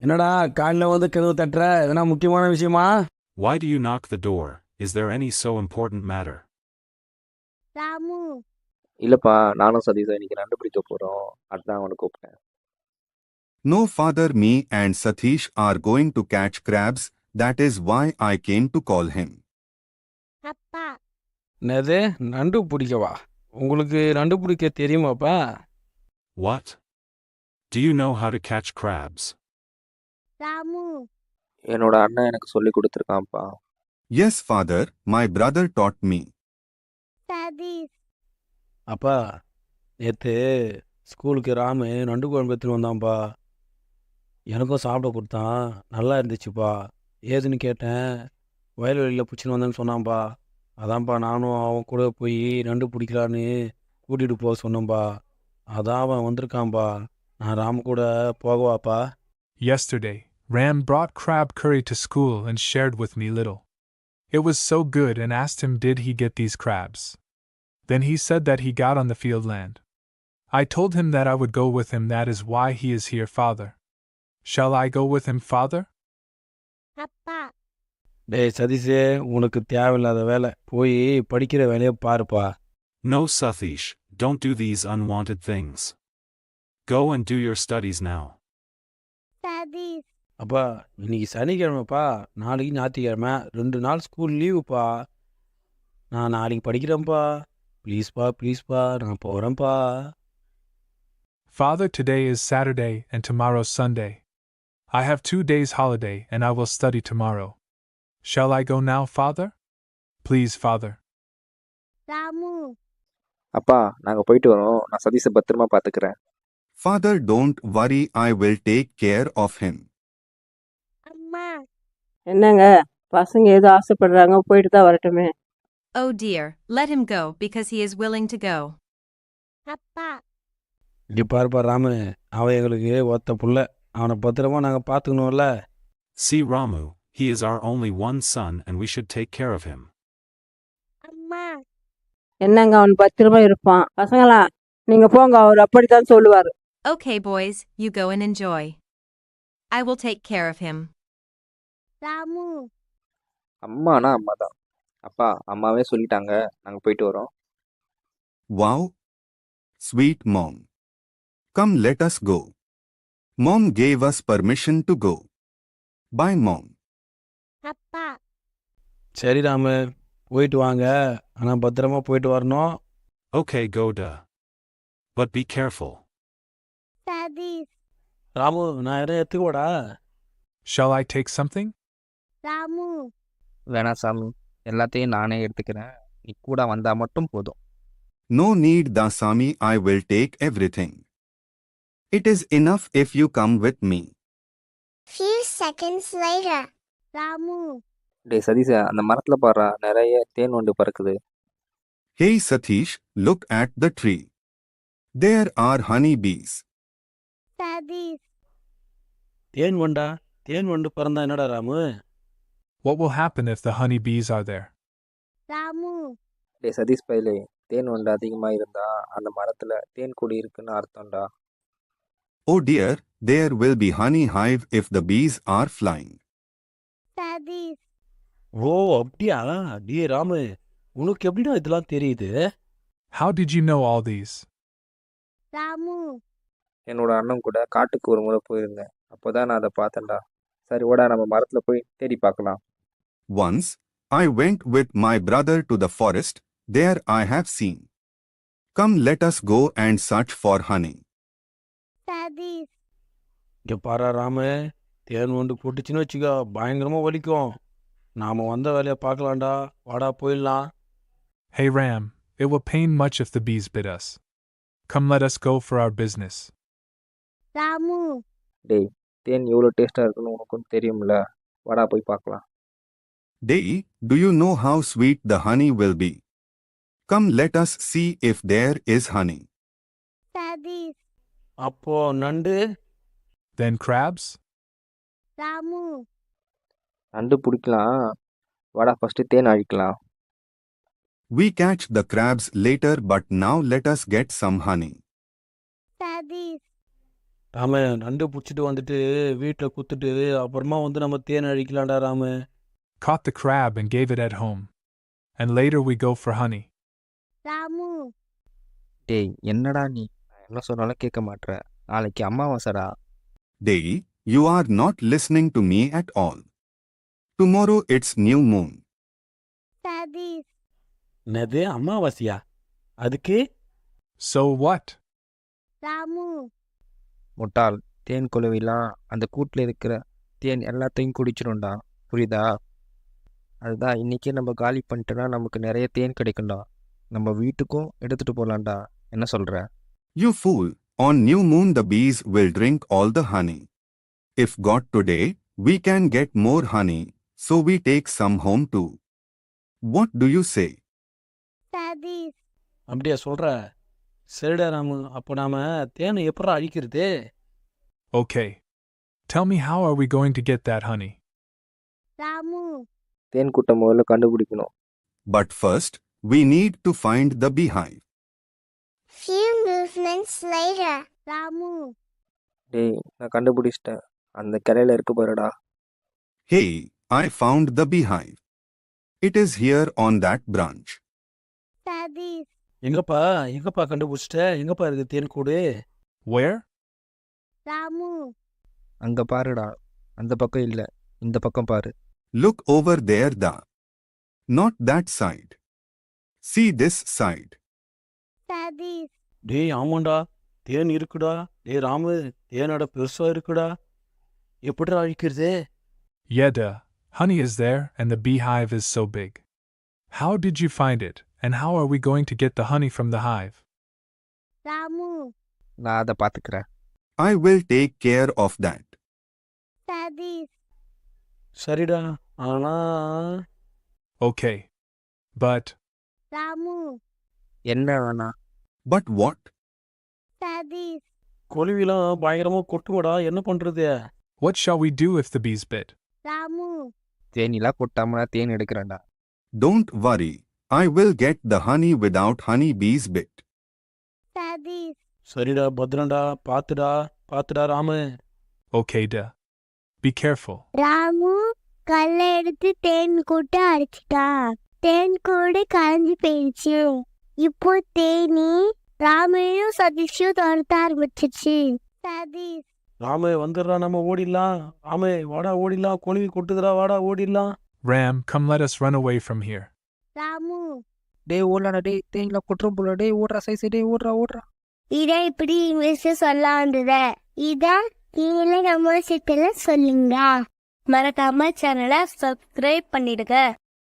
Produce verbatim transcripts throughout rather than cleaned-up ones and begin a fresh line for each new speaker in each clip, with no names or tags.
என்னடா காலைல வந்து கதவு தட்டுற? எதனா முக்கியமான விஷயமா?
Why do you knock the door? Is there any so important matter?
Ramu
இல்லப்பா, நானும் சதீஷும் இன்னைக்கு நண்டு பிடிக்க போறோம். அதான் அவனை கூப்பிட்டேன்.
No, father, me and Satish are going to catch crabs. That is why I came to call him.
அப்பா
என்னது நண்டு பிடிக்கவா? உங்களுக்கு நண்டு பிடிக்க தெரியுமாப்பா?
What? Do you know how to catch crabs?
Ramu
என்னோட அண்ணன் எனக்கு சொல்லி கொடுத்துருக்கான்ப்பா.
Yes, father, my brother taught me.
Satish
அப்பா நேற்று ஸ்கூலுக்கு ராமு நண்டு குழம்பு எடுத்துன்னு வந்தான்ப்பா. எனக்கும் சாப்பிட கொடுத்தான். நல்லா இருந்துச்சுப்பா. ஏதுன்னு கேட்டேன். வயல்வெளியில் பிடிச்சின்னு வந்தேன்னு சொன்னான்ப்பா. அதான்ப்பா நானும் அவன் கூட போய் நண்டு பிடிக்கலான்னு கூட்டிகிட்டு போக சொன்னேன்ப்பா. அதான் அவன் வந்திருக்கான்ப்பா. நான் ராமு கூட போகவாப்பா?
Yesterday, Ram brought crab curry to school and shared with me little. It was so good and asked him did he get these crabs. Then he said that he got on the field land. I told him that I would go with him, that is why he is here, father. Shall I go with him, father?
அப்பா
டேய் சதீஷே, உனக்கு தேவையில்லாத வேலை. போய் படிக்கிற வேலையை பாருப்பா.
No, Satish, don't do these unwanted things. Go and do your studies now.
Satish
அப்பா இன்னைக்கு சனிக்கிழமைப்பா, நாளைக்கு ஞாயிற்றுக்கிழமை, ரெண்டு நாள் ஸ்கூல் லீவுப்பா. நான் நாளைக்கு படிக்கிறேன்ப்பா. ப்ளீஸ்ப்பா ப்ளீஸ்ப்பா, நான் போகிறேன்ப்பா.
Father, today is Saturday and tomorrow Sunday. I have two days holiday and I will study tomorrow. Shall I go now, father? Please, father.
Ramu
அப்பா, நாங்க போயிட்டு வரோம். நான் சதீஷை பத்திரமா பாத்துக்கிறேன்.
Father, don't worry, I will take care of him.
அம்மா
என்னங்க பசங்க ஏதோ ஆசைப்படுறாங்க, போயிட்டு தான் வரட்டுமே.
Oh dear, let him go because he is willing to go.
அப்பா
இங்கே பாருப்பா ராமு, அவன் எங்களுக்கு ஒத்த புள்ள. அவனை பத்திரமா நாங்கள் பார்த்துக்கணும்ல.
See Ramu, he is our only one son and we should take care of him.
அம்மா
என்னங்க அவன் பத்திரமா இருப்பான். பசங்களா நீங்க போங்க, அவர் அப்படித்தான் சொல்லுவாரு.
Okay, boys, you go and enjoy. I will take care of him.
Ramu
அம்மானா அம்மா தான். அப்பா, அம்மாவே சொல்லிட்டாங்க. நாங்க போயிட்டு வரோம்.
Wow! Sweet mom. Come, let us go. Mom gave us permission to go. Bye, mom.
அப்பா
சரி ராமு, போயிட்டு வாங்க. ஆனால் பத்திரமா போயிட்டு வரணும்.
Okay, go da. But be careful.
Satish
Ramu, நான் எதாவது எடுத்துக்கோடா?
Shall I take something?
Ramu
வேணா சாமி, எல்லாத்தையும் நானே எடுத்துக்கிறேன். நீ கூட வந்தா மட்டும் போதும்.
No need, Dasami, I will take everything. It is enough if you come with me.
few seconds later Ramu
டேய் சதீஷ, அந்த மரத்துல பாரு, நிறைய தேன் வண்டு பறக்குது.
Hey Satish, look at the tree. There are honey bees.
Satish
தேன் வண்டா? தேன் வண்டு பிறந்தா என்னடா Ramu?
What will happen if the honey bees are there?
Ramu
டேய் சதீஷ் பையலே, தேன் வண்டு அதிகமா இருந்தா அந்த மரத்துல தேன் கொடி இருக்குன்னு அர்த்தம்டா.
Oh dear, there will be honey hive if the bees are flying.
Satish
ஓ அப்படியா? டே ராமு, உனக்கு எப்படிடா இதெல்லாம் தெரியுது?
How did you know all these?
Ramu
என்னோட அண்ணன் கூட காட்டுக்கு ஒரு முறை போயிருந்தேன். அப்போதான் நான் அதை பார்த்தேன்டா. சரி ஓடா, நம்ம மரத்துல போய் தேடி பார்க்கலாம்.
Once, I went with my brother to the forest. There I have seen. Come, let us go and search for honey.
Satish
இங்கே பாரா ராமு, தேன் வண்டு போட்டுச்சுன்னு வச்சுக்கோ, பயங்கரமாக வலிக்கும். நாம் வந்த வேலையை பார்க்கலாம்டா. வாடா போயிடலாம்.
Hey Ram, it will pain much if the bees bit us. Come, let us go for our business.
Ramu
டேய், தேன் எவ்வளோ டேஸ்டா இருக்குன்னு உனக்கும் தெரியும்ல. வாடா போய் பார்க்கலாம்.
Day, do you know how sweet the honey will be? Come, let us see if there is honey.
Satish
அப்போ நண்டு?
Then crabs?
ராமு
நண்டு பிடிக்கலாம். வாடா ஃபர்ஸ்ட் தேன் அழிக்கலாம்.
We catch the crabs later, but now let us get some honey.
Satish
ராம நண்டு பிடிச்சிட்டு வந்துட்டு வீட்டில் குத்துட்டு அப்புறமா வந்து நம்ம தேன் அழிக்கலாம்டா Rama.
Caught the crab and gave it at home. And later we go for honey.
Ramu
டேய் என்னடா நீ நான் என்ன சொன்னாலும் கேட்க மாட்ற. நாளைக்கு அமாவாசைடா.
Day, you are not listening to me at all. Tomorrow it's new moon.
Satish
என்னது அமாவாசையா? அதுக்கு
So what?
ராமு
முட்டாள், தேன் குளவிலாம் அந்த கூட்டில் இருக்கிற தேன் எல்லாத்தையும் குடிச்சிடும்டா. புரியுதா? அதுதான் இன்னைக்கே நம்ம காலி பண்ணிட்டோன்னா நமக்கு நிறைய தேன் கிடைக்கும்டா. நம்ம வீட்டுக்கும் எடுத்துட்டு போகலாம்டா. என்ன சொல்ற?
You fool, on new moon the bees will drink all the honey. If got today, we can get more honey, so we take some home too. What do you say?
Satish
அப்படியா சொல்கிற? சரிடா ராமு, அப்போ நாம் தேனை எப்படா அழிக்கிறது?
Okay. Tell me, how are we going to get that honey?
Ramu
தேன் கூட்டம் முதல்ல கண்டுபிடிக்கணும்.
But first, we need to find the beehive.
few movements later Ramu
டேய் நான் கண்டுபிடிச்சிட்டேன். அந்த கிளையில இருக்கு பாருடா.
Hey, I found the beehive. It is here on that branch.
Satish
எங்கப்பா எங்கப்பா கண்டுபிடிச்சிட்ட? எங்கப்பா இருக்குது தேன் கூடு?
Where?
ராமு
அங்க பாருடா. அந்த பக்கம் இல்லை, இந்த பக்கம் பாரு.
Look over there, da. Not that side. See this side.
Satish
டேய் ஆமாண்டா, தேன் இருக்குடா. டேய் ராமு, தேனோட பெருசாக இருக்குடா. எப்படிடா அழிக்கிறது?
Yeah, duh. Honey is there, and the beehive is so big. How did you find it, and how are we going to get the honey from the hive?
Ramu
நான் அதை பார்த்துக்கிறேன்.
I will take care of that.
Satish
சரிடா, ஆனா
Okay. But,
Ramu
என்ன வேணா?
But what?
Satish
கொலுவிலாம் பயங்கரமாக கொட்டுமடா, என்ன பண்ணுறது?
what shall we do if the bees bit?
Ramu
தேனிலாம் கொட்டாம than எடுக்கிறேன்டா.
Don't worry. I will get the honey without honey bees bit.
Satish
சரிடா, பத்திரம்டா, பார்த்துடா பார்த்துடா Ramu.
Okay, duh. Be careful.
Ramu கல்லை எடுத்து தேன் கூட்டு அடிச்சிட்டா. தேன் கூடு கரைஞ்சி போயிடுச்சு. இப்போ தேனி ராமையும் சதீஷையும் துரத்த ஆரம்பிச்சிச்சு. சதீஷ்
ராமு வந்துடுறா, நம்ம ஓடிடலாம். ராமு வாடா ஓடிடலாம், கொலுவி கொட்டுதுடா, வாடா ஓடிடலாம்.
Ram, come let us run away from here.
Ramu
டேய் ஓடலாடா. டேய் தேனிலாம் கொட்டுறோம் போல. டேய் ஓடுறா சைஸ். டேய் ஓடுறா ஓடுறா.
இதை இப்படி இங்கிலீஷ் சொல்ல வந்தத இதான் நீங்களே நம்ம சிட்டில சொல்லுங்க. மறக்காம சேனலை சப்ஸ்கிரைப் பண்ணிடுங்க.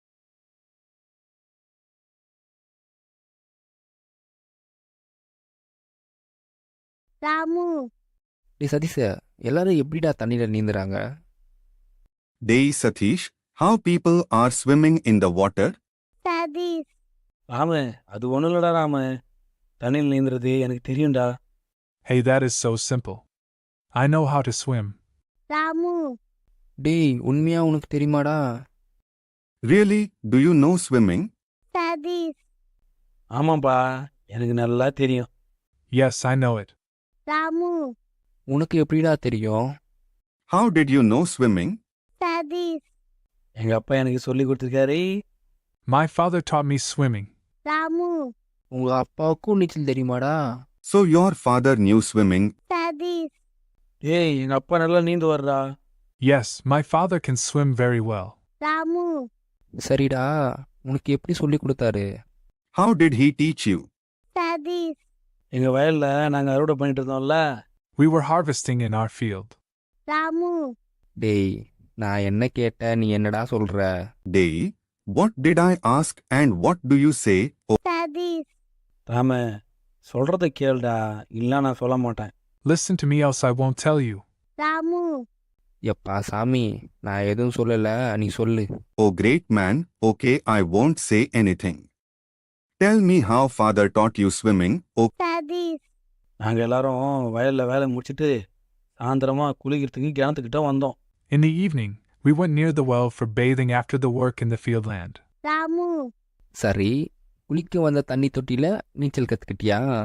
ராமு
டேய் சதீஷ், எல்லாரும் எப்படிடா தண்ணியில் நீந்துறாங்க?
Day Satish, how people are swimming in the water?
Satish
Ramu அது ஒன்றும் இல்லடா ராமு, தண்ணியில் நீந்துறது எனக்கு தெரியும்டா.
Hey, that is so simple. I know how to swim.
Ramu
டேய் உண்மையா உனக்கு தெரியுமாடா?
Really, do you know swimming?
Satish
ஆமாப்பா, எனக்கு நல்லா தெரியும்.
Yes, I know it.
Ramu
உனக்கு எப்படிடா தெரியும்?
How did you know swimming?
Satish
எங்கள் அப்பா எனக்கு சொல்லி கொடுத்துருக்காரு.
My father taught me swimming.
Ramu
உங்க அப்பாவுக்கும் நீச்சல் தெரியுமாடா?
So your father knew swimming.
Satish
ஏய் எங்கள் அப்பா நல்லா நீந்து வர்றா.
Yes, my father can swim very well.
Ramu
சரிடா, உனக்கு எப்படி சொல்லி கொடுத்தாரு?
How did he teach you?
Satish
எங்கள் வயலில் நாங்கள் அறுவடை பண்ணிட்டு இருந்தோம்ல.
We were harvesting in our field.
Ramu
டேய் நான் என்ன கேட்ட நீ என்னடா சொல்ற?
Day, what did I ask and what do you say? Oh,
Satish
Rama சொல்கிறத கேளுடா, இல்லை நான் சொல்ல மாட்டேன்.
Listen to me, else I won't tell you.
Ramu
எப்பா சாமி, நான் எதுவும் சொல்லல, நீ சொல்லு.
oh great man, okay, I won't say anything. Tell me how father taught you swimming. Oh,
Satish
நாங்கள் எல்லாரும் வயலில் வேலை முடிச்சிட்டு சாயந்தரமாக குளிக்கிறதுக்கு கிணத்துக்கிட்ட வந்தோம்.
In the evening, we went near the well for bathing after the work in the field land.
Ramu
சரி, குளிக்க வந்த தண்ணி தொட்டியில நீச்சல் கத்துக்கிட்டியா?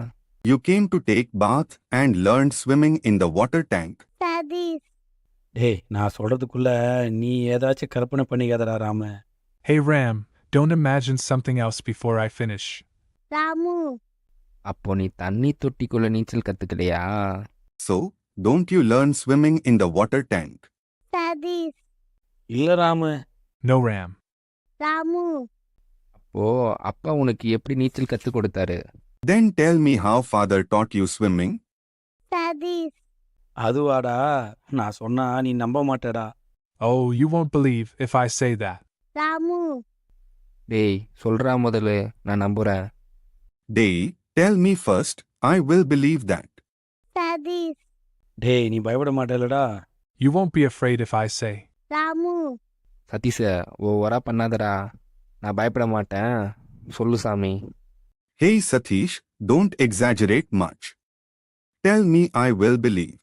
You came to take bath and learned swimming in the water tank.
Satish
டேய் நான் சொல்கிறதுக்குள்ள நீ ஏதாச்சும் கற்பனை பண்ணிக்காதடா Rama.
Hey Ram, don't imagine something else before I finish.
Ramu
அப்போ நீ தண்ணி தொட்டிக்குள்ள நீச்சல் கத்துக்கலையா?
So, don't you learn swimming in the water tank?
Satish
இல்லை ராமு.
No Ram.
ராமு
அப்போ அப்பா உனக்கு எப்படி நீச்சல் கத்து கொடுத்தாரு?
Then tell me how father taught you swimming.
Satish
அதுவாடா, நான் சொன்னா நீ நம்ப மாட்டேடா.
Oh, you won't believe if I say that.
Ramu
டேய் சொல்றா முதல்ல, நான் நம்புறேன்.
Day, tell me first, I will believe that.
Satish
டேய் நீ பயப்பட மாட்டேலடா.
You won't be afraid if I say.
Ramu
சதீஷ ஓவரா பண்ணாதடா, நான் பயப்பட மாட்டேன், சொல்லு சாமி.
Hey Satish, don't exaggerate much. Tell me I will believe.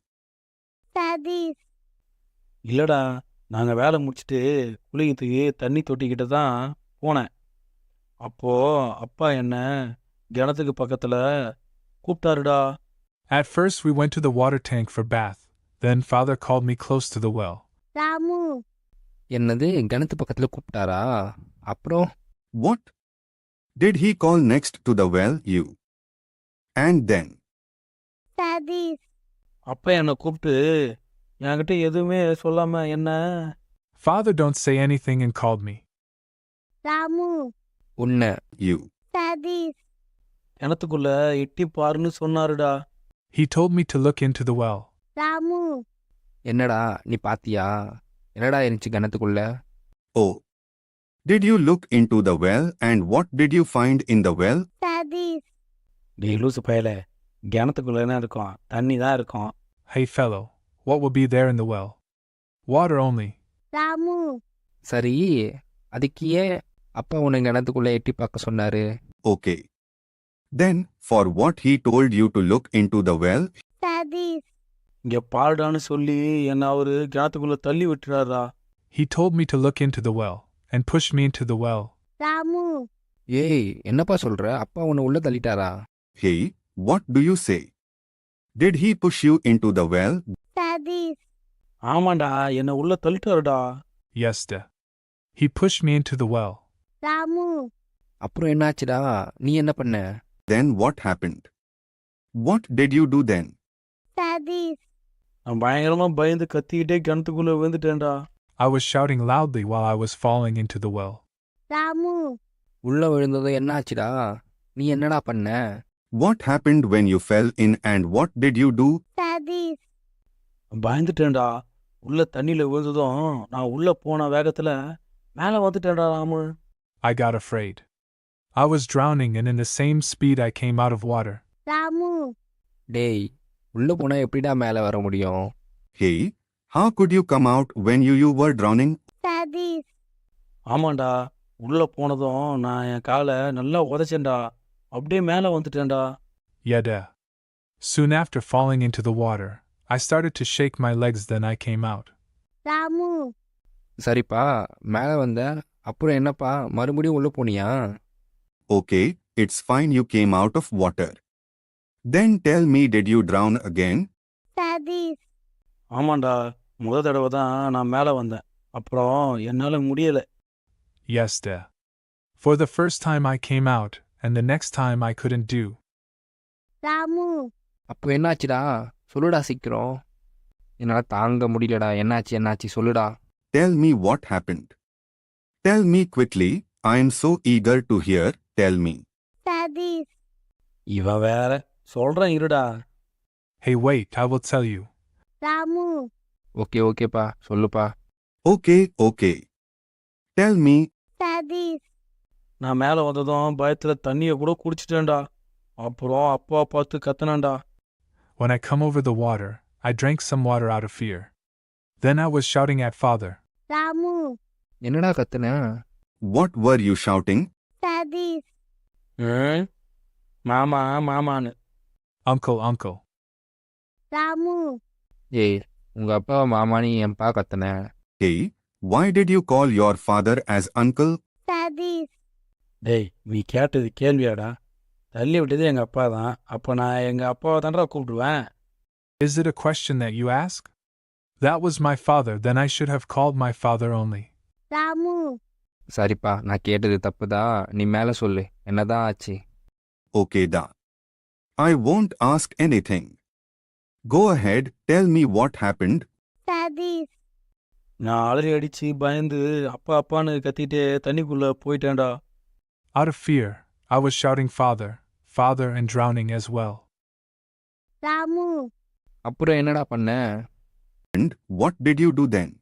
Satish
இல்லைடா, நாங்கள் வேலை முடிச்சுட்டு குளிக்கிறதுக்கு தண்ணி தொட்டிக்கிட்ட தான் போனேன். அப்போ அப்பா என்ன கிணத்துக்கு பக்கத்தில் கூப்பிட்டாருடா.
At first we went to the water tank for bath. Then father called me close to the well.
Ramu
என்னது கிணத்து பக்கத்துல கூப்பிட்டாரா? அப்புறம்
What? Did he call next to the well you? And then?
Satish
அப்பா என்னை கூப்பிட்டு என்கிட்ட எதுவுமே சொல்லாம என்ன
Father don't say anything and called me.
Ramu
உன்னை
You.
சதீஷ்
கிணத்துக்குள்ள எட்டி பாருன்னு சொன்னாருடா.
He told me to look into the well.
Ramu
என்னடா நீ பாத்தியா? என்னடா இருந்துச்சு கிணத்துக்குள்ள?
Oh. Did you look into the well and what did you find in the well?
Satish
டேய் லூசு பயலே, கிணத்துக்குள்ள என்ன இருக்கும்? தண்ணி தான் இருக்கும்.
Hey fellow, what will be there in the well? Water only.
Ramu
சரி, அதுக்கு ஏன் அப்பா உன்னை கிணத்துக்குள்ள எட்டி பார்க்க சொன்னாரு?
Okay. Then, for what he told you to look into the well?
Satish
இங்க பாருடான்னு சொல்லி என்னை அவரு கிணத்துக்குள்ள தள்ளி விட்டுறாரா.
He told me to look into the well and pushed me into the well.
Ramu
ஏய் என்னப்பா சொல்ற? அப்பா உன்னை உள்ள தள்ளிட்டாரா?
Hey, what do you say? Did he push you into the well?
Satish
ஆமாண்டா, என்னை உள்ள தள்ளிட்டாருடா.
Yes, da. He pushed me into the well.
Ramu
அப்புறம் என்னாச்சுடா? நீ என்ன பண்ண?
Then what happened? What did you do then?
Satish
நான் பயங்கரமா பயந்து கத்திக்கிட்டே கிணத்துக்குள்ள விழுந்துட்டேன்டா.
I was shouting loudly while I was falling into the well.
Ramu
உள்ள விழுந்ததும் என்னாச்சுடா? நீ என்னடா பண்ண?
What happened when you fell in and what did you do?
Satish
பயந்துட்டேன்டா. உள்ள தண்ணியில விழுந்ததும் நான் உள்ள போன வேகத்துல மேலே வந்துட்டேன்டா Ramu.
I got afraid. I was drowning and in the same speed I came out of water.
Ramu
டேய் உள்ள போனா எப்படிடா மேல வர முடியும்?
Hey, how could you come out when you, you were drowning?
Satish
ஆமாண்டா, உள்ள போனதும் நான் என் காலை நல்லா உதைச்சேன்டா. அப்படியே மேலே வந்துட்டேன்டா.
Yeah, da. Soon after falling into the water, I started to shake my legs, then I came out.
Ramu
சரிப்பா, மேல வந்த அப்புறம் என்னப்பா மறுபடியும் உள்ள போனியா?
Okay, it's fine you came out of water. Then tell me, did you drown again?
Satish
ஆமாண்டா, முத தடவை தான் நான் மேலே வந்தேன். அப்புறம் என்னால் முடியலை.
Yes, da. For the first time I came out, and the next time I couldn't do.
Ramu
அப்போ என்னாச்சுடா? சொல்லுடா சீக்கிரம். என்னால தாங்க முடியலடா. என்னாச்சு என்னாச்சு சொல்லுடா.
Tell me what happened. Tell me quickly, I am so eager to hear, tell me.
Satish
இவன் வேற சொல்கிறேன் இருடா.
Hey, wait, I will tell you.
Ramu
okay ஓகேப்பா சொல்லுப்பா.
Okay, okay. Tell me,
Satish
நான் மேலே வந்ததும் பயத்தில் தண்ணியை கூட குடிச்சிட்டேன்டா. அப்புறம் அப்பா பார்த்து கத்துனேன்டா.
When I come over the water, I drank some water out of fear. Then I was shouting at father.
Ramu
என்னடா கத்துன?
what were you shouting?
Satish
ம், மாமா மாமான்னு.
Uncle, uncle.
ராமு
ஏய் உங்க அப்பாவை மாமானி என்பா கத்துன?
Hey, why did you call your father as uncle?
Satish
டேய் நீ கேட்டது கேள்வியாடா. தள்ளி விட்டது எங்கள் அப்பா தான். அப்போ நான் எங்கள் அப்பாவை தான்டா கூப்பிடுவேன்.
Is it a question that you ask? That was my father, then I should have called my father only.
Ramu
சரிப்பா, நான் கேட்டது தப்புதா. நீ மேலே சொல்லு, என்னதான் ஆச்சு?
Okay da. I won't ask anything. Go ahead, tell me what happened.
Satish
நான் அலறி அடித்து பயந்து அப்பா அப்பான்னு கத்திட்டு தண்ணிக்குள்ளே போயிட்டேன்டா.
Out of fear, I was shouting father, father and drowning as well.
Ramu
அப்புறம் என்னடா பண்ண?
And what did you do then?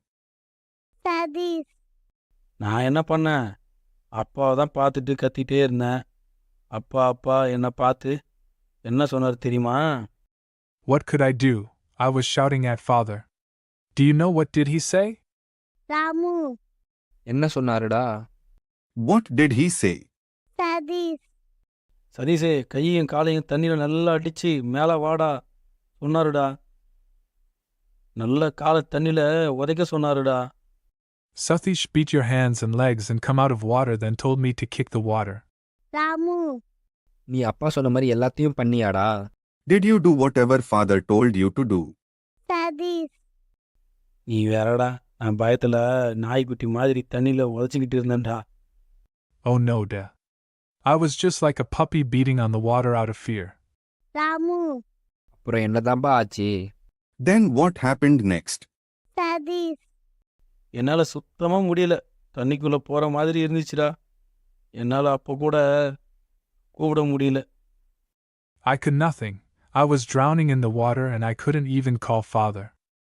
Satish
நான் என்ன பண்ணேன்? அப்பாவை தான் பார்த்துட்டு கத்திட்டே இருந்தேன். அப்பா அப்பா என்னை பார்த்து என்ன சொன்னார் தெரியுமா?
What could I do? I was shouting at father. Do you know what did he say?
Ramu
என்ன சொன்னாருடா?
What did he say?
Satish
சதீஷே, கையையும் காலையும் தண்ணியில் நல்லா அடித்து மேலே வாடா சொன்னாருடா. நல்ல காலை தண்ணியில் உதைக்க சொன்னாருடா.
Sathish beat your hands and legs and come out of water, then told me to kick the water.
Ramu
நீ அப்பா சொன்ன மாதிரி எல்லாத்தையும் பண்ணியாடா?
Did you do whatever father told you to do?
Satish
நீ வேறடா, நான் பயத்தில் நாய்க்குட்டி மாதிரி தண்ணியில் உதச்சிக்கிட்டு இருந்தேன்டா.
Oh no, da. I was just like a puppy beating on the water out of fear.
Ramu
அப்புறம் என்னதான்பா ஆச்சு?
Then what happened next?
Satish
என்னால் சுத்தமாக முடியல. தண்ணிக்குள்ளே போகிற மாதிரி இருந்துச்சுடா. என்னால் அப்போ கூட கூப்பிட முடியல.
I could nothing. I was drowning in the water and I couldn't even call father.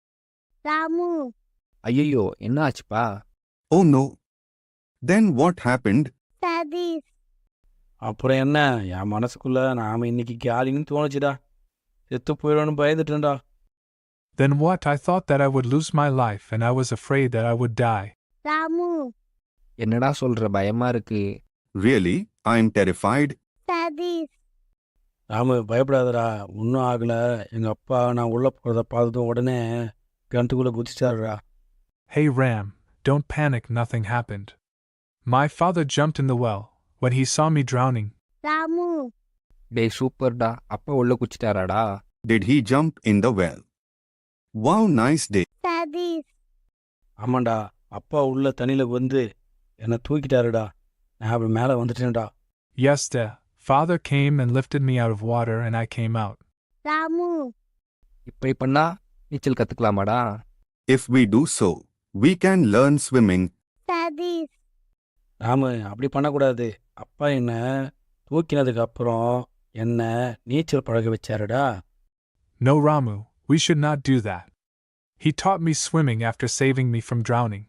Ramu
ஐயோ, என்ன ஆச்சுப்பா?
Oh no. Then what happened?
Satish
அப்புறம் என்ன, என் மனசுக்குள்ளே நாம் இன்னைக்கு காலின்னு தோணுச்சுடா. செத்து போயிடும்னு பயந்துட்டேன்டா.
Then what? I thought that I would lose my life and I was afraid that I would die.
Ramu
என்னடா சொல்ற, பயமா இருக்கு.
Really? I'm terrified.
Satish
Ramu பயப்படாதடா, ஒன்றும் ஆகலை. எங்கள் அப்பா நான் உள்ளே போகிறத பார்த்ததும் உடனே கிணத்துக்குள்ளே குதிச்சிட்டாருடா.
Hey Ram, don't panic, nothing happened. My father jumped in the well when he saw me drowning.
Ramu
டேய் சூப்பர்டா, அப்பா உள்ள குச்சிட்டாராடா?
Did he jump in the well? Wow, nice day.
Satish
ஆமாண்டா, அப்பா உள்ள தண்ணியில் வந்து என்னை தூக்கிட்டாருடா. நான் அப்படி மேலே வந்துட்டேன்டா.
Yes, da. Father came and lifted me out of water and I came out.
Ramu
இப்படி பண்ணா நீச்சல் கத்துக்கலாமாடா?
If we do so, we can learn swimming.
Satish
Ramu அப்படி பண்ணக்கூடாது. அப்பா என்னை தூக்கினதுக்கு அப்புறம் என்னை நீச்சல் பழக வச்சாருடா.
No, Ramu, we should not do that. He taught me swimming after saving me from drowning.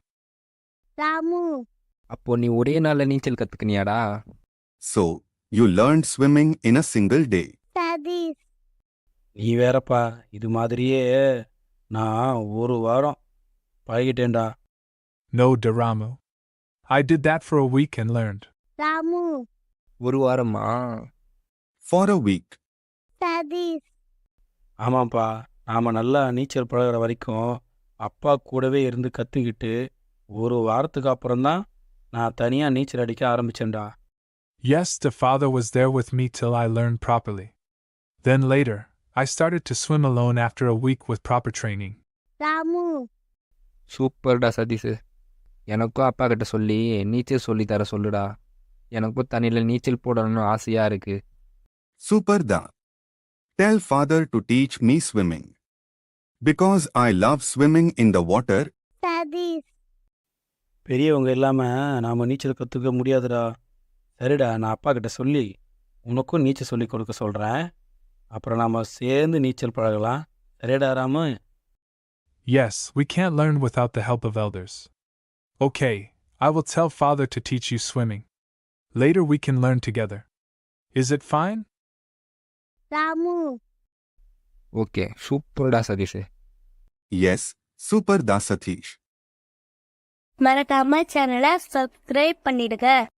Ramu
அப்போ நீ ஒரே நாள்ல நீச்சல் கத்துக்கினியாடா?
So, you learned swimming in a single day.
Satish
நீ வேறப்பா, இது மாதிரியே நான் ஒரு வாரம் பழகிட்டேன்டா.
No, da Ramu. I did that for a week and learned.
Ramu
ஒரு வாரமா?
For a week.
சதீஷ்
ஆமாப்பா, நாம் நல்லா நீச்சல் பழகிற வரைக்கும் அப்பா கூடவே இருந்து கற்றுக்கிட்டு ஒரு வாரத்துக்கு அப்புறம்தான் நான் தனியாக நீச்சல் அடிக்க ஆரம்பித்தேன்டா.
Yes, the father was there with me till I learned properly. Then later, I started to swim alone after a week with proper training.
Ramu
சூப்பர்டா சதீஷ். எனக்கும் அப்பா கிட்ட சொல்லி நீச்சல் சொல்லி தர சொல்லுடா. எனக்கும் தண்ணியில் நீச்சல் போடணும்னு ஆசையா இருக்கு.
Super da. Tell father to teach me swimming. Because I love swimming in the water.
Satish
பெரியவங்க இல்லாமல் நாம் நீச்சல் கற்றுக்க முடியாதுடா. சரிடா, நான் அப்பா கிட்ட சொல்லி உனக்கும் நீச்சல் சொல்லி கொடுக்க சொல்கிறேன். அப்புறம் நாம் சேர்ந்து நீச்சல் பழகலாம். சரிடா Ramu?
Yes, we can't learn without the help of elders. Okay, I will tell father to teach you swimming. Later we can learn together. Is it fine?
Ramu
okay, சூப்பர்டா Satish.
Yes, super da Satish.
மறக்காம சேனலை subscribe பண்ணிடுங்க.